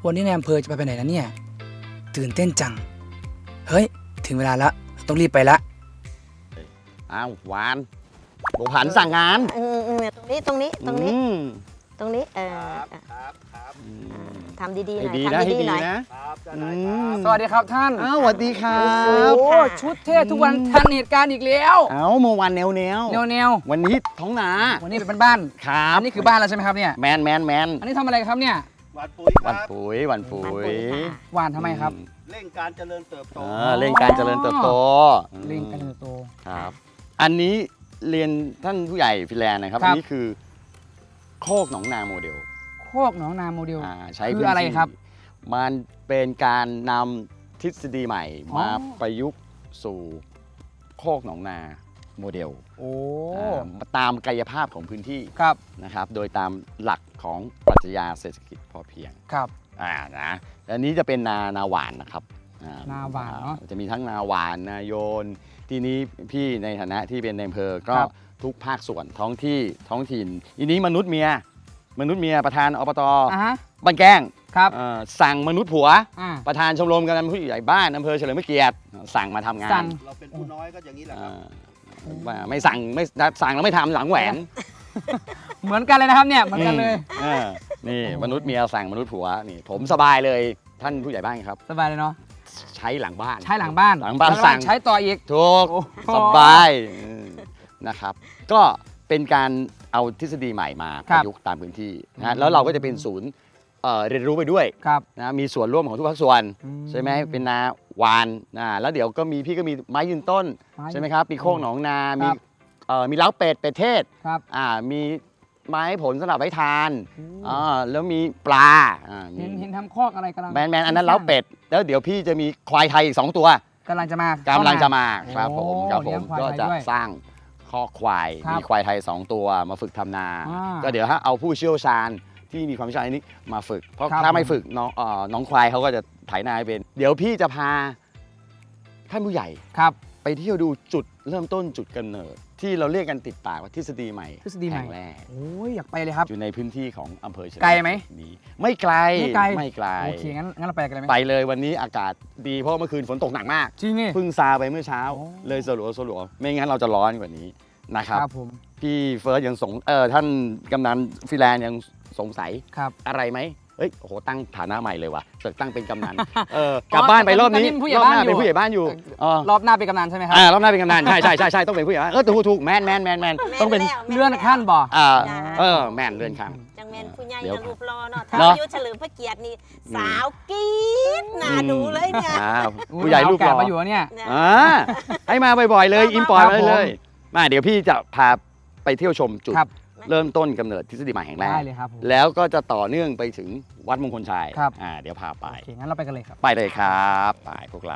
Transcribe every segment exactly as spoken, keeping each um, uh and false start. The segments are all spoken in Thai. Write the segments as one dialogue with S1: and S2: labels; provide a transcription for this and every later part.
S1: วันนี้นายอำเภอจะไปไปไหนนะเนี่ยตื่นเต้นจังเฮ้ยถึงเวลาละต้องรีบไปละ
S2: อ้าวหวานบุผันสั่งงาน
S3: อืมอืมตรงนี้ตรงนี้ตรงนี้
S2: อืม
S3: ตรงนี้เออ
S4: ครับครับ
S2: อืม
S3: ทำดีๆห
S2: ให้
S3: น่อย
S2: ดีนะ
S3: ทำ
S2: ให้
S3: ดี
S2: ดี
S3: ๆหน่อย
S2: นะครับ
S4: จะ
S2: อื
S4: ได้
S2: ม
S1: สวัสดีครับท่าน
S2: อ้าวสวัสดีครั
S1: โอ้
S2: บ
S1: โหชุดเท่ทุกวันทันเหตุการณ์อีกแล้ว
S2: เอ้าเมื่อวานแนวแนว
S1: แนวแนว
S2: วันนี้ท้องนา
S1: วันนี้เป็นบ้าน
S2: ครับ
S1: อันนี้คือบ้านแล้วใช่ไหมครับเนี่ย
S2: แมนแมนแมน
S1: อันนี้ทำอะไรครับเนี่ย
S4: หวานปุ๋ยค
S2: วัน
S4: รับ
S2: ปุ๋ยวันปุ๋
S3: มัน
S2: ย
S3: ปุ๋ยค่ะ
S1: หวานทำไมครับ
S4: เร่งการเจริญเติบโต
S2: เออเร่งการเจริญเติบโต
S1: เร่งการเติบโต
S2: ครับ อันนี้เรียนท่านผู้ใหญ่ฟินแลนด์นะครับ
S1: ครับ
S2: อันนี้คือโคกหนองนาโมเดล
S1: โคกหนองนาโมเดล
S2: อ่าใช้
S1: คือ
S2: พื้น
S1: อะไร
S2: ที่
S1: ครับ
S2: มันเป็นการนำทฤษฎีใหม่
S1: อ๋อ
S2: มาประยุกต์สู่โคกหนองนาโมเดล
S1: โอ้
S2: อ่าตามกายภาพของพื้นที่
S1: ครับ
S2: นะครับ โดยตามหลักของปรัชญาเศรษฐกิจพอเพียง
S1: ครับ
S2: อ่านะอันนี้จะเป็นนานาหวานนะครับอ่
S1: นาหวานเนอะ
S2: จะมีทั้งนาหวานนาโยน ทีนี้พี่ในฐานะที่เป็นในอำเภอก็
S1: ครับ
S2: ทุกภาคส่วนท้องที่ท้องถิ่นทีนี้มนุษย์เมีย มนุษย์เมียประธานอบต
S1: อ่ะฮะ
S2: บ้านแก้ง
S1: ครับ
S2: เอ่อสั่งมนุษย์ผัว
S1: อ่า
S2: ประธานชมรมกำนันผู้ใหญ่บ้านอำเภอเฉลิมพระเกียรติสั่งมาทำงา
S1: สั่
S2: น
S1: ง
S4: เราเป็นผู้น้อยก็อย่างนี้แหละค
S2: อ่
S4: รับ
S2: าว่าไม่สั่งไม่สั่งแล้วไม่ทำหลังแหวน
S1: เหมือนกันเลยนะครับเนี่ยเหมือนกันเลย
S2: เออนี่มนุษย์เมียสั่งมนุษย์ผัวนี่ผมสบายเลยท่านผู้ใหญ่บ้านครับ
S1: สบายเลยเนาะ
S2: ใช้หลังบ้าน
S1: ใช้หลังบ้าน
S2: หลังบ้าน
S1: แล้ว
S2: สั่ง
S1: ใช้ต่ออีก
S2: ถูก
S1: โอ้โห
S2: สบายอืมนะครับ ก็เป็นการเอาทฤษฎีใหม่มา
S1: ค
S2: ป
S1: รับ
S2: ระยุกต์ตามพื้นที่
S1: อื
S2: นะ
S1: ม
S2: แล้วเราก็จะเป็นศูนย์เอ่อเรียนรู้ไปด้วย
S1: ครับ
S2: นะมีส่วนร่วมของทุกภาคส่วน
S1: อืม
S2: ใช่ไหมเป็นนาหวานนะแล้วเดี๋ยวก็มีพี่ก็มีไม้ยืนต้น
S1: ไม้
S2: ใช่ไหมครับมีโคกหนองนา
S1: ครับ
S2: มีเอ่อมีเล้าเป็ดเป็ดเทศ
S1: ครับ
S2: อ่ามีไม้ผลสำหรับไว้ทาน
S1: อืม
S2: อ่าแล้วมีปลาอ่ามี
S1: เห็นเห็นทำคอกอะไรกำลัง
S2: แมนแมนอันนั้นเล้าเป็ดแล้วเดี๋ยวพี่จะมีควายไทยอีกสองตัว
S1: กำลังจะมาก
S2: ำลังจะมาครับผม
S1: โอ้
S2: ครับผ
S1: เลี้ย
S2: ม
S1: งควาย
S2: ก็
S1: ไทย
S2: จะ
S1: ด้วย
S2: สร้างข้อกควาย
S1: ครับ
S2: มีควายไทยสองตัวมาฝึกทำนา
S1: อ่า
S2: ก็เดี๋ยวถ้าเอาผู้เชี่ยวชาญที่มีความเชี่ยวชาญอันนี้มาฝึก เพราะ
S1: ครับ
S2: ถ้าไม่
S1: ผม
S2: ฝึกน้องเอ่อน้องควายเขาก็จะไถนาให้เป็น เดี๋ยวพี่จะพาท่านผู้ใหญ่
S1: ครับ
S2: ไปเที่ยวดูจุดเริ่มต้นจุดกำเนิด ที่เราเรียกกันติดปากว่าทฤษฎีใหม่
S1: ทฤษฎีใหม่
S2: แห่งแรก
S1: โอ้ยอยากไปเลยครับ
S2: อยู่ในพื้นที่ของอำเภอเฉลิม
S1: ไกลไหม
S2: นี้ไม่ไกล
S1: ไม่ไกล
S2: ไม่ไกล
S1: โอเคงั้นงั้นเราไปกันเลยไหม
S2: ไปเลยวันนี้อากาศดีเพราะเมื่อคืนฝนตกหนักมาก
S1: จริงนี่
S2: เพิ่งซาไปเมื่อเช้า
S1: โอ้
S2: เลยสลัวสลัวไม่งั้นเราจะร้อนกว่านี้นะครับ
S1: ครับผม
S2: พี่เฟิร์สยังสงเออท่านกำนันฟิแลนด์ยังสงสัย
S1: ครับ
S2: อะไรไหมเอ้ยโอ้โหตั้งฐานะใหม่เลยว่ะเสอกตั้งเป็นกำนันเออกลับบ้านไปรอบนี้
S1: ตอนนี้ผู้ใหญ่
S2: รอบหน้า
S1: บ้านอยู่
S2: เป็นผู้ใหญ่บ้านอยู่อ๋อ
S1: รอบหน้าเป็นกำนันใช่ไหมครับ
S2: อ่ารอบหน้าเป็นกำนันใช่ใช่ใช่ใช่ต้องเป็นผู้ใหญ่บ้านเออถูกถูกแมนแมนแมนแมนต้องเป็น
S3: แล้ว
S1: เลื่อนขั้นบ่
S2: อ่า
S3: จ้า
S2: เออแมนเลื่อนขั้น
S3: จังแมนผู้ใหญ่
S2: เดี๋ยว
S3: รูปรอเนาะถ้า
S2: เนอะ
S3: อายุเฉลิมพระเกียรตินี่สาวกรี๊ดน่าดูเลยเนี่ย
S2: อ่าผู้ใหญ่รูปหล่อ
S1: มาอยู่เนี่ย
S3: เนี่ย
S2: อ่าให้มาบ่อยๆเลย
S3: ครับ
S2: อิมพอร์ต
S1: ครับ
S2: มาเลย
S1: ผม
S2: มาเดี๋ยวพี่จะพาไปเที่ยวชมจุด
S1: ครับ
S2: เริ่มต้นกำเนิดทฤษฎีใหม่แห่งแร
S1: ได้
S2: ก
S1: เลยครับผม
S2: แล้วก็จะต่อเนื่องไปถึงวัดมงคลชัย
S1: ครับ
S2: อ่าเดี๋ยวพาไป
S1: โอเคงั้นเราไปกันเลยครับ
S2: ไปเลยครับไปพวกเรา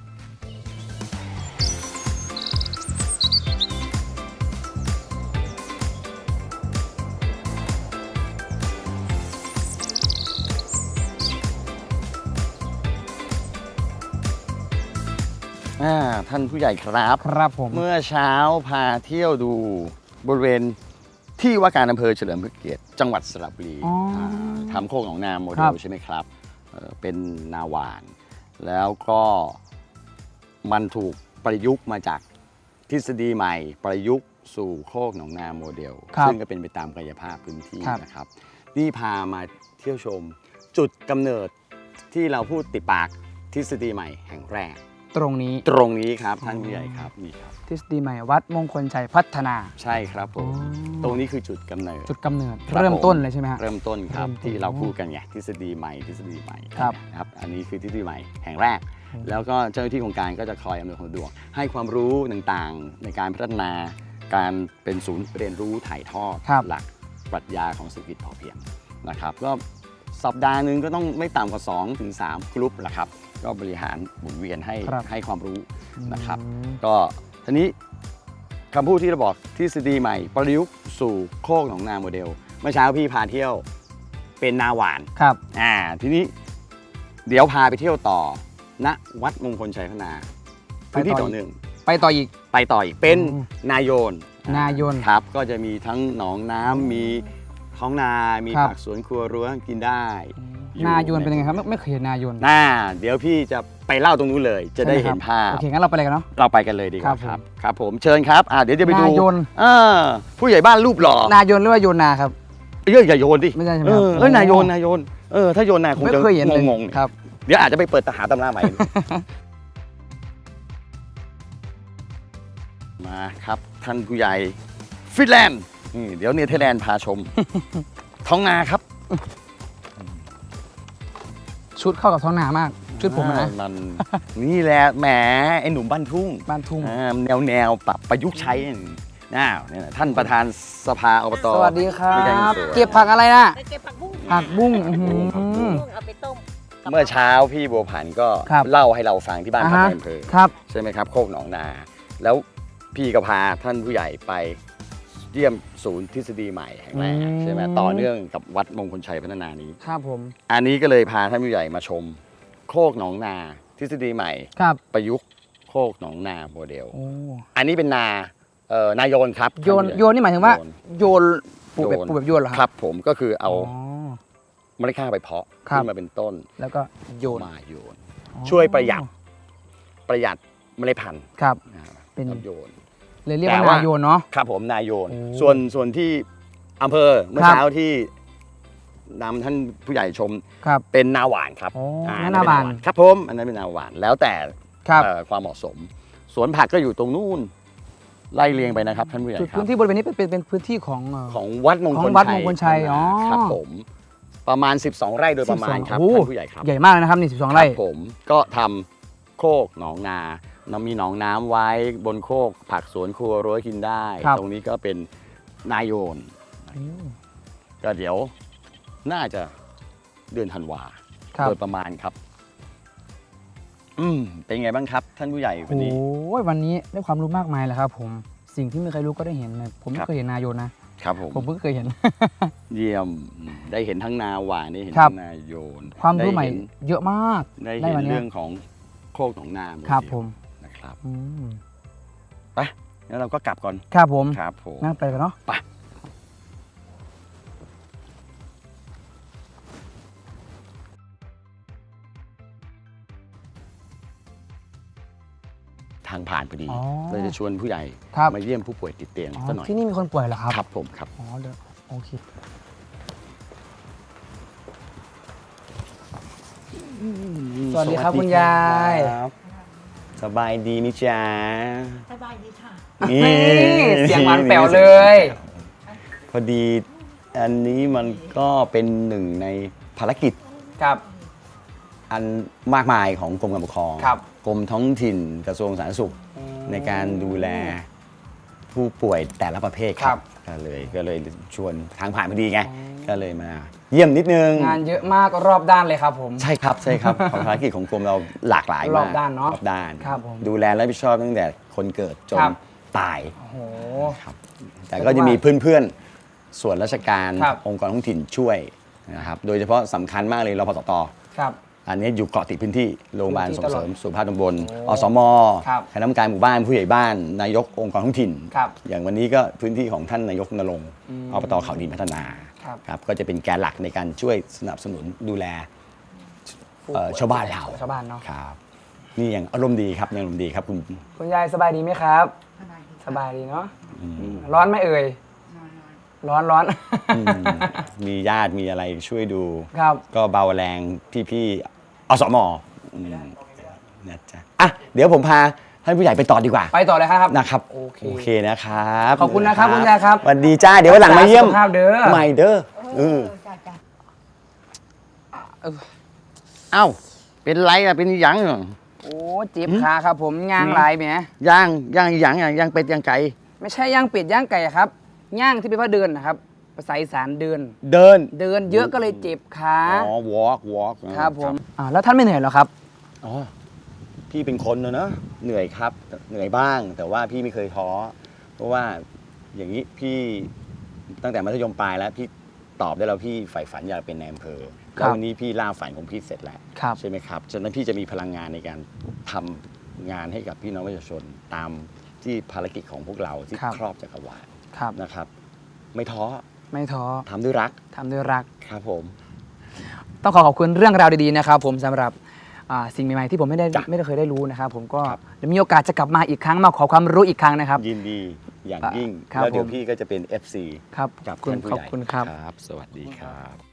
S2: อ่าท่านผู้ใหญ่ครับ
S1: ครับผม
S2: เมื่อเช้าพาเที่ยวดูบริเวณที่ว่าการอำเภอเฉลิมพระเกียรติจังหวัดสระบุรี
S1: อ๋ออ่
S2: าทำโคกหนองนาโมเด
S1: ครั
S2: ล
S1: บ
S2: ใช่ไหมครับเอ่อเป็นนาหวาน แล้วก็มันถูกประยุกต์มาจากทฤษฎีใหม่ ประยุกต์สู่โคกหนองนาโมเดล
S1: ครับ
S2: ซึ่งก็เป็นไปตามกายภาพพื้นที่
S1: ครับ
S2: นะครับ นี่พามาเที่ยวชมจุดกำเนิดที่เราพูดติดปากทฤษฎีใหม่แห่งแรก
S1: ตรงนี้
S2: ตรงนี้ครับท่านผู้ใหญ่ครับนี่ครับ
S1: ทฤษฎีใหม่วัดมงคลชัยพัฒนา
S2: ใช่ครับผม ตรงนี้คือจุดกำเนิด
S1: จุดกำเนิด
S2: ครับ
S1: เริ่มต้นเลยใช่ไหมฮะ
S2: เริ่มต้นครับ
S1: เริ่มต้น
S2: ที่เราพูดกันไงทฤษฎีใหม่ทฤษฎีใหม่
S1: ครับ
S2: นะครับ อันนี้คือทฤษฎีใหม่แห่งแรก
S1: อืม
S2: แล้วก็เจ้าหน้าที่โครงการก็จะคอยอำนวยความสะดวกให้ความรู้ต่างๆ ในการพัฒนาการเป็นศูนย์เรียนรู้ถ่ายทอด
S1: ครับ
S2: หลักปรัชญาของเศรษฐกิจพอเพียงนะครับ ก็สัปดาห์หนึ่งก็ต้องไม่ต่ำกว่า2ถึง3กลุ่มแหละครับ ก็บริหารหมุนเวียนให้
S1: ครับ
S2: ให้ความรู้ นะครับ
S1: อืม
S2: ก็ทีนี้คำพูดที่เราบอกทฤษฎีใหม่ประยุกต์สู่โคกหนองนาโมเดลเมื่อเช้าพี่พาเที่ยวเป็นนาหวาน
S1: ครับ
S2: อ่าทีนี้เดี๋ยวพาไปเที่ยวต่อณวัดมงคลชัยพัฒนาพื้นที่ต่อหนึ่ง
S1: ไปต่ออีก
S2: ไปต่ออีกเป็น
S1: อืม
S2: นายโยน
S1: นายน
S2: ครับก็จะมีทั้งหนองน้ำมีท้องนา มี
S1: ครับ
S2: ผักสวนครัวรั้วกินได้
S1: อืม
S2: อยู่
S1: นายนเป็นยังไงครับไม่ไม่เคยเห็นนายน
S2: น่าเดี๋ยวพี่จะไปเล่าตรงนู้นเลย จะได้เห็นภาพ
S1: โอเคงั้นเราไปเลยกันเนาะ
S2: เราไปกันเลยดีกว่า
S1: ครับผม
S2: ครับครับผมเชิญครับอ่าเดี๋ยวจะไปดู
S1: นายน
S2: เออผู้ใหญ่บ้านรูปหล่อน
S1: ายนหรือว่าโยนาครับ
S2: เอ้ยอย่าโยนดิ
S1: ไม่ใช่ใช่ไหม
S2: เอ
S1: ครับ
S2: อเอ้ยนายโยนนายโยนเออถ้าโยนนายคง
S1: ไม่
S2: จะ
S1: เคยเห็นเลย
S2: งงๆ
S1: ครับ
S2: เดี๋ยวอาจจะไปเปิดตหาตำราใหม่ มาครับท่านผู้ใหญ่ฟินแลนด์นี่เดี๋ยวเนเธอร์แลนด์พาชม ท้องนาครับ
S1: ชุดเข้ากับท้องนามาก ชุดผมนะ
S2: อ่ามันนี่แหละแหมไอ้หนุ่มบ้านทุ่ง
S1: บ้านทุ่ง
S2: อ่าแนวแนวปรับประยุกต์ใช้น่าเนี่ยนะท่านประธานสภาอบต
S1: สวัสดีครั
S2: ด้วยกัน
S1: บ
S2: สวย
S1: เก็บผักอะไรนะ
S3: ไปเก็บผักบุ้ง
S1: ผักบุ้งอื้อหือ
S2: ผักบุ้ง
S3: เอาไปต้มกับ
S2: เมื่อเช้าพี่บัวผันก็
S1: ครับ
S2: เล่าให้เราฟังที่บ้าน
S1: อ่า
S2: พัก
S1: ฮะ
S2: ในอำเภอ
S1: ครับ
S2: ใช่ไหมครับโคกหนองนา แล้วพี่ก็พาท่านผู้ใหญ่ไปเยี่ยมศูนย์ทฤษฎีใหม่แห่งแรก
S1: อืม
S2: ใช่ไหมต่อเนื่องกับวัดมงคลชัยพัฒนานี้
S1: ครับผม
S2: อันนี้ก็เลยพาท่านผู้ใหญ่มาชม โคกหนองนา ทฤษฎีใหม่
S1: ครับ
S2: ประยุกต์โคกหนองนาโมเดล
S1: โอ้
S2: อันนี้เป็นนาเอ่อนายโยนครับ
S1: โยน
S2: ท่ผู้ใญ่
S1: โยนนี่หมายถึงว่า
S2: โยน
S1: โยนปลูกแบบ
S2: โยน
S1: ปลูกแบบโยนเหรอ
S2: ครับผมก็คือเอา
S1: อ๋อ
S2: เมล็ดข้าวไปเพาะ
S1: ครับ
S2: ขึ้นมาเป็นต้น
S1: แล้วก็โยน
S2: มาโยน
S1: อ๋อ
S2: ช่วยประหยัดประหยัดเมล็ดพันธุ์
S1: ครับ
S2: อ่า
S1: เป็น
S2: ครับโยน
S1: เลยเรียก
S2: แต่
S1: ว่า
S2: ว่า
S1: นายโยนเนาะ
S2: ครับผมนายโยน
S1: โอ้
S2: ส่วนส่วนที่อำเภอเมื่อ
S1: ครับ
S2: เช้าที่นำท่านผู้ใหญ่ชม
S1: ครับ
S2: เป็นนาหวานครับ
S1: โอ้
S2: อ่
S1: นั่นนาหวาน
S2: ครับผมอันนั้นเป็นนาหวานแล้วแต่
S1: ครับ
S2: เอ่อความเหมาะสม สวนผักก็อยู่ตรงนู้นไล่เรียงไปนะครับท่านผู้ใหญ่
S1: จุด
S2: ครั
S1: พื้
S2: บ
S1: นที่บริเวณนี้เป็นเป็นเป็นพื้นที่ของเอ่อ
S2: ของวัดมง
S1: ข
S2: ค
S1: อ
S2: ล
S1: งวัดมงคลชัยอ๋อ
S2: ครับผมประมาณ สิบสอง ไร่โดยประมาณครับ
S1: โอ้โห
S2: ท่านผู้ใหญ่ครับ
S1: ใหญ่มากเลยนะครับนี่สิบสอง
S2: ค
S1: ไร่
S2: รับผมก็ทำโคกหนองนาเรามีหนองน้ำไว้บนโคกผักสวนครัวรั้วกินได้
S1: ครับ
S2: ตรงนี้ก็เป็นนายโยน
S1: อืม
S2: ก็เดี๋ยวน่าจะเดือนธันวา
S1: ครับ
S2: โดยประมาณครับ อืมเป็นไงบ้างครับ ท่านผู้ใหญ่วันนี้
S1: โอ้ยวันนี้ได้ความรู้มากมายเลยครับผมสิ่งที่ไม่เคยรู้ก็ได้เห็นเลยผมไม่
S2: ครับ
S1: เคยเห็นนายโยนนะครับ
S2: ผม
S1: ผมเพิ่งเคยเห็น
S2: เยี่ยมได้เห็นทั้งนาหวานได้เห็น
S1: ครับ
S2: ทั้งนาโยน
S1: ความรู้ใหม่
S2: ได้เห็น
S1: เยอะมาก
S2: ได้
S1: ได้
S2: เห็น
S1: วันเนี้ย
S2: เรื่องของโคกหนองนาโด
S1: ครับ
S2: เดียว
S1: ผม
S2: นะครับ
S1: อืม
S2: ไปงั้นเราก็กลับก่อน
S1: ครับผม
S2: ครับผม
S1: นั่งไปกันเนาะ
S2: ไป ทางผ่านพอดี
S1: อ๋อ
S2: เลยจะชวนผู้ใหญ่
S1: ครับ
S2: มาเยี่ยมผู้ป่วยติดเตียง
S1: อ๋อ
S2: สักหน่อย
S1: ที่นี่มีคนป่วยเหรอครับ
S2: ครับผมครับ
S1: อ๋อเดี๋ยวโอเค สวัสดีครับคุณยาย
S2: ครับสบายดีมิจ๊ะ
S3: สบายดีค่ะ
S2: นี่
S1: นี่เสียงหวานแป๋วเลย
S2: พอดีอันนี้มันก็เป็นหนึ่งในภารกิจ
S1: ครับ
S2: อันมากมายของกรมการปกครอง
S1: ครับ
S2: กรมท้องถิ่นกระทรวงสาธารณสุขในการดูแลผู้ป่วยแต่ละประเภทครับก็เลยก็เลยชวนทางผ่านพอดีไงก็เลยมา เยี่ยมนิดนึง
S1: งานเยอะมากรอบด้านเลยครับผม
S2: ใช่ครับใช่ครับ ภารกิจของกรมเราหลากหลายมาก
S1: รอบด้านเนอะ
S2: รอบด้าน
S1: ครับผม
S2: ดูแลและรับผิดชอบตั้งแต่คนเกิดจน
S1: ครับ
S2: ตาย
S1: โอ้โห
S2: ครับแต่ก็จะมีเพื่อนๆ ส่วนราชการ
S1: ครับ
S2: องค์กรท้องถิ่นช่วยนะครับ โดยเฉพาะสำคัญมากเลยรพสต
S1: ครับ
S2: อันนี้อยู่เกาะติดพื้นที่โรงพยาบาล
S1: พื้นที่
S2: ส่งเสริมสุขภาพตำบล
S1: โอ้
S2: อสม
S1: ครับ
S2: คณะกรรมการหมู่บ้านผู้ใหญ่บ้าน นายกองค์กรท้องถิ่น
S1: ครับ
S2: อย่างวันนี้ก็พื้นที่ของท่านนายกนรงค์
S1: อืม
S2: อบตเขาดินพัฒนา
S1: ครับ
S2: ครับก็จะเป็นแกนหลักในการช่วยสนับสนุนดูแลเอ่อชาวบ้านเรา
S1: ชาวบ้านเนาะ
S2: ครับนี่ยังอารมณ์ดีครับยังอารมณ์ดีครับคุณ
S1: คุณยายสบายดีไหมครับ สบายดีเนาะร้อนไหมเอ่ยร้อนร้อน
S2: อืมมีญาติมีอะไรช่วยดู
S1: ครับ
S2: ก็เบาแรงพี่ๆอสมอืมนะจ๊ะอ่ะเดี๋ยวผมพาท่านผู้ใหญ่ไปต่อดีกว่า
S1: ไปต่อเลยครับ
S2: นะครับ
S1: โอเค
S2: โอเคนะครับ
S1: ขอบคุณนะครับคุณยายครับ
S2: สวัสดีจ้าเดี๋ยววันหลังมาเยี่ยม
S1: สุขภาพเด้อ
S2: ใหม่เด้อเออ
S1: เออ
S2: เอ้าเป็นไรอะเป็นหยังเหรอ
S1: โอ้เจ็บขาครับผมย่างลายแหม
S2: ย่างย่างหยังอะย่างเป็ดย่างไก่
S1: ไม่ใช่ย่างเป็ดย่างไก่ครับย่างที่เป็นว่าเดินนะครับภาษาอีสานเดิน
S2: เดิน
S1: เดินเยอะก็เลยเจ็บขา
S2: อ๋อ walk walk
S1: ครับผมอ่าแล้วท่านไม่เหนื่อยเหรอครับ
S2: อ๋อพี่เป็นคนนะเนอะเหนื่อยครับเหนื่อยบ้าง แต่ว่าพี่ไม่เคยท้อเพราะว่าอย่างนี้พี่ตั้งแต่มัธยมปลายแล้วพี่ตอบได้แล้วพี่ใฝ่ฝันอยากเป็นนายอำเภอ
S1: ครับ
S2: แล้ววันนี้พี่ล่าฝันของพี่เสร็จแล้ว
S1: ครับ
S2: ใช่ไหมครับฉะนั้นพี่จะมีพลังงานในการทำงานให้กับพี่น้องประชาชนตามที่ภารกิจของพวกเราที่
S1: ครับ
S2: ครอบจักรวาล
S1: ครับ
S2: นะครับ ไม่ท้อ
S1: ไม่ท้อ
S2: ทำด้วยรัก
S1: ทำด้วยรัก
S2: ครับผม
S1: ต้องขอขอบคุณเรื่องราวดีๆนะครับผมสำหรับอ่าสิ่งใหม่ๆที่ผมไม่ได้
S2: จ้ะ
S1: ไม่ได้เคยได้รู้นะครับผมก็
S2: ครับ
S1: เดี๋ยวมีโอกาสจะกลับมาอีกครั้งมาขอความรู้อีกครั้งนะครับ
S2: ยินดีอย่างยิ่ง
S1: ครับ
S2: แล้วเดี๋ยว
S1: ผม
S2: พี่ก็จะเป็น เอฟ ซี
S1: ครับ
S2: กับ
S1: ขอบคุณ
S2: ท่านผู้
S1: ขอบ
S2: ใหญ่
S1: คุณครับ
S2: ครับ สวัสดีครับ